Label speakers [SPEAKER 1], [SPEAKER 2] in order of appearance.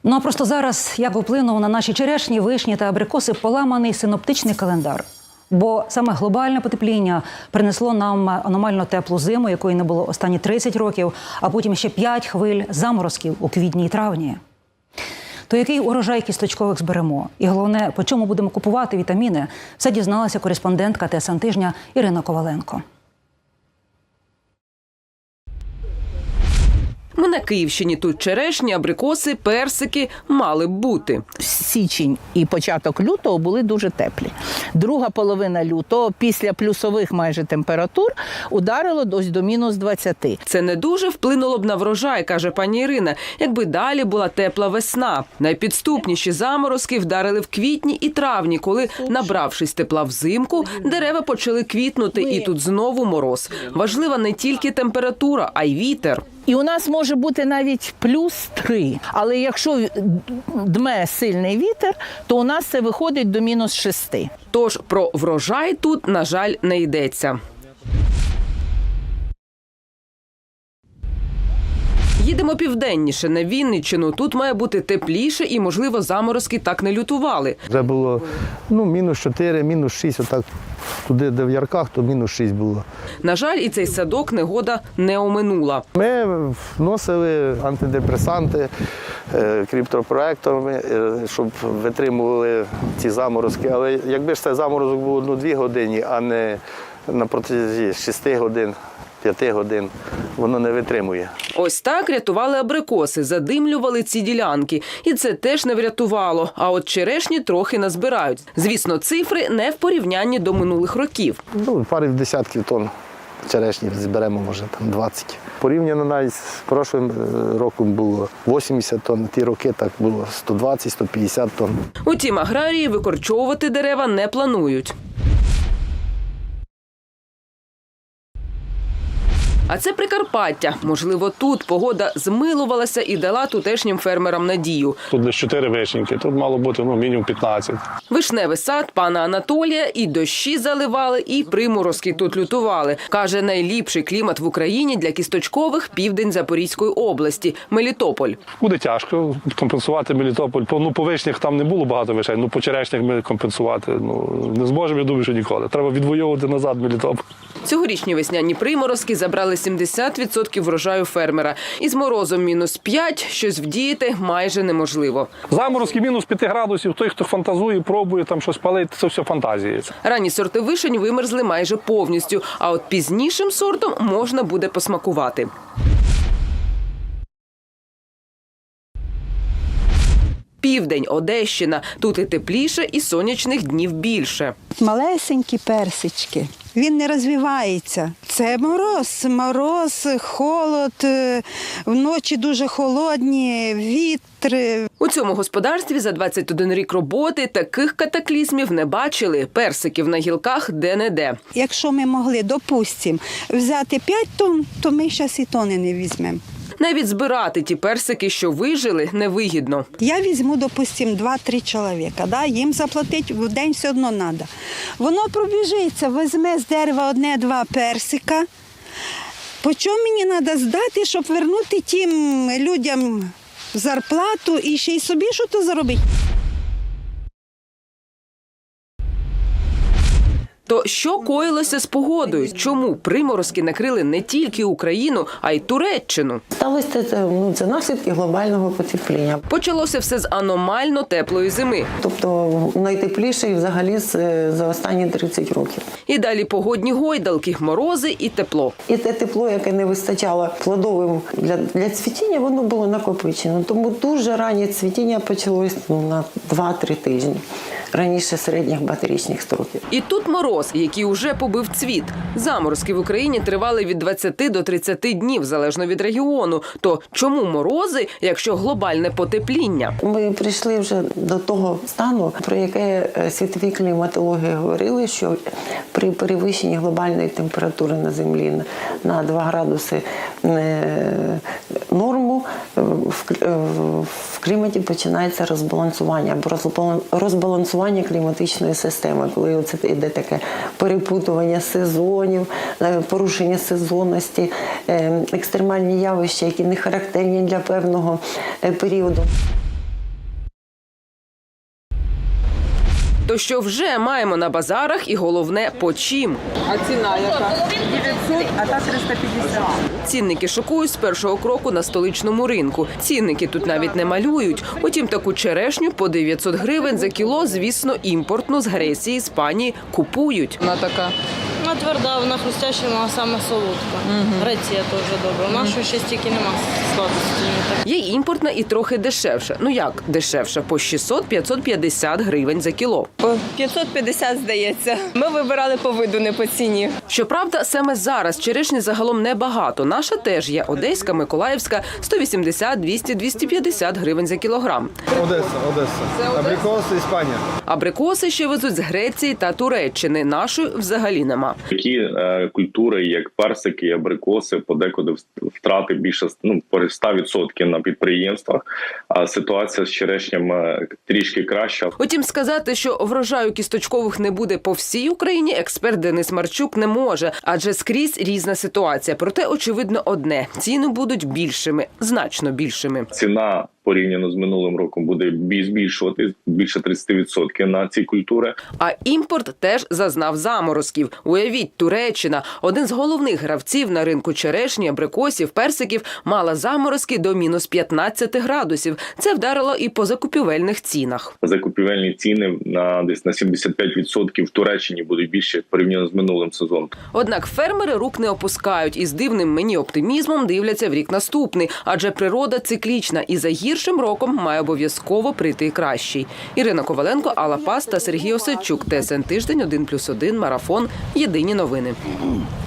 [SPEAKER 1] Ну а просто зараз, як вплинув на наші черешні, вишні та абрикоси поламаний синоптичний календар. Бо саме глобальне потепління принесло нам аномально теплу зиму, якої не було останні 30 років, а потім ще 5 хвиль заморозків у квітні і травні. То який урожай кісточкових зберемо? І головне, по чому будемо купувати вітаміни? Все дізналася кореспондентка ТСН Тижня Ірина Коваленко.
[SPEAKER 2] Ми на Київщині. Тут черешні, абрикоси, персики мали б бути.
[SPEAKER 3] Січень і початок лютого були дуже теплі. Друга половина лютого, після плюсових майже температур, ударило ось до мінус 20.
[SPEAKER 2] Це не дуже вплинуло б на врожай, каже пані Ірина, якби далі була тепла весна. Найпідступніші заморозки вдарили в квітні і травні, коли, набравшись тепла взимку, дерева почали квітнути, і тут знову мороз. Важлива не тільки температура, а й вітер.
[SPEAKER 3] І у нас може бути навіть плюс 3. Але якщо дме сильний вітер, то у нас це виходить до мінус 6.
[SPEAKER 2] Тож про врожай тут, на жаль, не йдеться. Їдемо південніше, на Вінниччину. Тут має бути тепліше і, можливо, заморозки так не лютували.
[SPEAKER 4] Вже було мінус 4, мінус 6, отак туди, де в Ярках, то мінус 6 було.
[SPEAKER 2] На жаль, і цей садок негода не оминула.
[SPEAKER 4] Ми вносили антидепресанти криптопроекторами, щоб витримували ці заморозки. Але якби ж цей заморозок був 1-2 години, а не на протязі 6 годин, 5 годин, воно не витримує.
[SPEAKER 2] Ось так рятували абрикоси, задимлювали ці ділянки. І це теж не врятувало. А от черешні трохи назбирають. Звісно, цифри не в порівнянні до минулих років.
[SPEAKER 4] Пару десятків тонн черешні зберемо, може, там 20. Порівняно навіть з прошлим роком було 80 тонн, ті роки так було 120-150 тонн.
[SPEAKER 2] Утім, аграрії викорчовувати дерева не планують. А це Прикарпаття. Можливо, тут погода змилувалася і дала тутешнім фермерам надію.
[SPEAKER 5] Тут десь 4 вишеньки, тут мало бути мінімум 15.
[SPEAKER 2] Вишневий сад пана Анатолія і дощі заливали, і приморозки тут лютували. Каже, найліпший клімат в Україні для кісточкових – південь Запорізької області – Мелітополь.
[SPEAKER 5] Буде тяжко компенсувати Мелітополь. По вишнях там не було багато вишень, по черешнях ми компенсувати не зможемо, я думаю, що ніколи. Треба відвоювати назад Мелітополь.
[SPEAKER 2] Цьогорічні весняні приморозки забрали 70% врожаю фермера. Із морозом мінус 5 щось вдіяти майже неможливо.
[SPEAKER 5] Заморозки мінус 5 градусів, той, хто фантазує, пробує там щось палити, це все фантазії.
[SPEAKER 2] Ранні сорти вишень вимерзли майже повністю, а от пізнішим сортом можна буде посмакувати. Південь, Одещина. Тут і тепліше, і сонячних днів більше.
[SPEAKER 6] Малесенькі персички. Він не розвивається. Це мороз, холод, вночі дуже холодні, вітри.
[SPEAKER 2] У цьому господарстві за 21 рік роботи таких катаклізмів не бачили. Персиків на гілках де-не-де.
[SPEAKER 6] Якщо ми могли, допустимо, взяти 5 тонн, то ми зараз і тони не візьмемо.
[SPEAKER 2] Навіть збирати ті персики, що вижили, невигідно.
[SPEAKER 6] Я візьму, допустимо, 2-3 чоловіка, їм заплатити в день все одно треба. Воно пробіжиться, візьме з дерева 1-2 персика. По чому мені треба здати, щоб вернути тим людям зарплату і ще й собі щось заробити?
[SPEAKER 2] То що коїлося з погодою? Чому приморозки накрили не тільки Україну, а й Туреччину?
[SPEAKER 7] Сталося це наслідки глобального потепління.
[SPEAKER 2] Почалося все з аномально теплої зими.
[SPEAKER 7] Тобто найтепліший взагалі за останні 30 років.
[SPEAKER 2] І далі погодні гойдалки, морози і тепло.
[SPEAKER 7] І те тепло, яке не вистачало плодовим для цвітіння, воно було накопичено. Тому дуже раннє цвітіння почалось на 2-3 тижні. Раніше середніх батарічних строків.
[SPEAKER 2] І тут мороз, який уже побив цвіт. Заморозки в Україні тривали від 20 до 30 днів, залежно від регіону. То чому морози, якщо глобальне потепління?
[SPEAKER 7] Ми прийшли вже до того стану, про яке світові кліматологи говорили, що при перевищенні глобальної температури на Землі на 2 градуси норму в кліматі починається розбалансування або розбалансування кліматичної системи, коли це йде таке перепутування сезонів, порушення сезонності, екстремальні явища, які не характерні для певного періоду.
[SPEAKER 2] То що вже маємо на базарах і головне по чим.
[SPEAKER 3] А ціна яка? 900, а та 350.
[SPEAKER 2] Цінники шокують з першого кроку на столичному ринку. Цінники тут навіть не малюють. Утім, таку черешню по 900 гривень за кіло, звісно, імпортну з Греції, Іспанії купують.
[SPEAKER 3] Вона така.
[SPEAKER 8] Вона тверда, вона хрустяща, вона саме солодка. Греція теж добра. У нас ще стільки нема сладості.
[SPEAKER 2] Є імпортна і трохи дешевша. Ну як дешевша? По 600-550 гривень за кіло.
[SPEAKER 9] По 550, здається. Ми вибирали по виду, не по ціні.
[SPEAKER 2] Щоправда, саме зараз черешні загалом небагато. Наша теж є одеська, миколаївська – 180, 200, 250 гривень за кілограм.
[SPEAKER 10] Одеса. Абрикоси, Іспанія.
[SPEAKER 2] Абрикоси ще везуть з Греції та Туреччини. Нашої взагалі нема.
[SPEAKER 11] Такі культури, як персики, абрикоси, подекуди втрати більше по 100% на підприємствах, а ситуація з черешням трішки краща.
[SPEAKER 2] Утім, сказати, що врожаю кісточкових не буде по всій Україні, експерт Денис Марчук не може, адже скрізь різна ситуація. Проте, очевидно, одне – ціни будуть більшими, значно більшими.
[SPEAKER 11] Ціна порівняно з минулим роком буде збільшувати більше 30% на ці культури.
[SPEAKER 2] А імпорт теж зазнав заморозків. Уявіть, Туреччина, один з головних гравців на ринку черешні, абрикосів, персиків, мала заморозки до мінус 15 градусів. Це вдарило і по закупівельних цінах.
[SPEAKER 11] Закупівельні ціни десь на 75% в Туреччині будуть більше порівняно з минулим сезоном.
[SPEAKER 2] Однак фермери рук не опускають і з дивним мені оптимізмом дивляться в рік наступний, адже природа циклічна і за гіршим роком має обов'язково прийти кращий. Ірина Коваленко, Алла Пас та Сергій Осадчук. ТСН Тиждень, 1+1, Марафон. Єдині новини.